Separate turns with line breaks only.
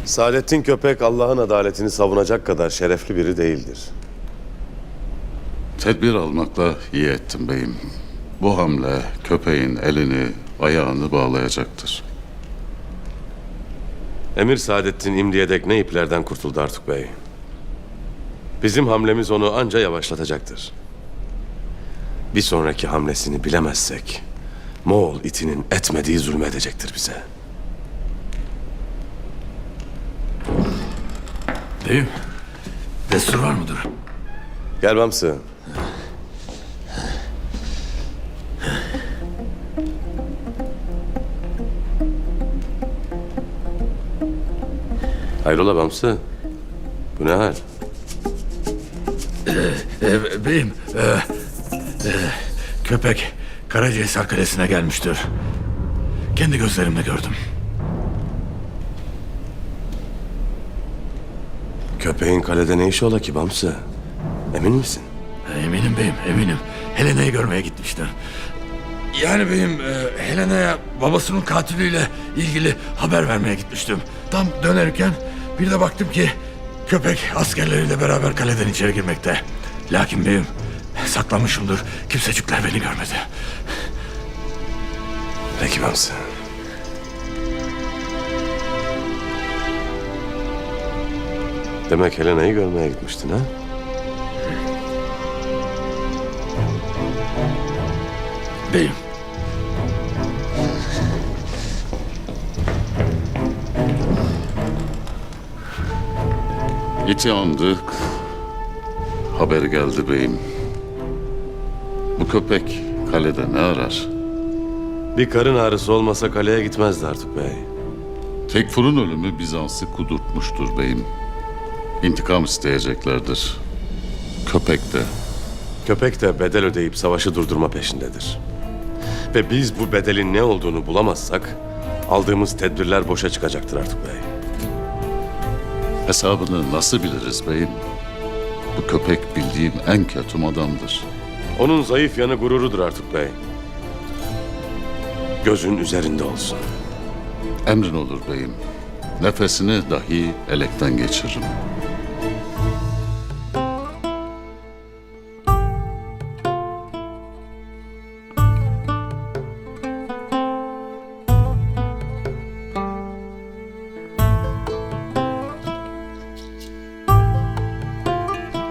Saadettin Köpek Allah'ın adaletini savunacak kadar şerefli biri değildir.
Tedbir almakla iyi ettim beyim. Bu hamle köpeğin elini, ayağını bağlayacaktır.
Emir Saadettin İmdi'ye dek ne iplerden kurtuldu Artuk Bey. Bizim hamlemiz onu anca yavaşlatacaktır. Bir sonraki hamlesini bilemezsek Moğol itinin etmediği zulmedecektir bize.
Beyim, destur var mıdır?
Gel Bamsı. Hayrola Bamsı? Bu ne hal?
Beyim, köpek Karacahisar Kalesi'ne gelmiştir. Kendi gözlerimle gördüm.
Köpeğin kalede ne işi ola ki Bamsı? Emin misin?
Eminim beyim, eminim. Helena'yı görmeye gitmiştir. Yani beyim, Helena'ya babasının katiliyle ilgili haber vermeye gitmiştim. Tam dönerken bir de baktım ki köpek askerleriyle beraber kaleden içeri girmekte. Lakin beyim, saklanmışımdır. Kimsecikler beni görmedi.
Peki Bamsı. Demek Helena'yı görmeye gitmiştin ha?
Beyim,
İti andık. Haber geldi beyim. Bu köpek kalede ne arar?
Bir karın ağrısı olmasa kaleye gitmezdi Artuk Bey.
Tekfur'un ölümü Bizans'ı kudurtmuştur beyim. İntikam isteyeceklerdir. Köpek de.
Köpek de bedel ödeyip savaşı durdurma peşindedir. Ve biz bu bedelin ne olduğunu bulamazsak aldığımız tedbirler boşa çıkacaktır Artuk Bey.
Hesabını nasıl biliriz beyim? Bu köpek bildiğim en ketum adamdır.
Onun zayıf yanı gururudur Artuk Bey. Gözün üzerinde olsun.
Emrin olur beyim. Nefesini dahi elekten geçiririm.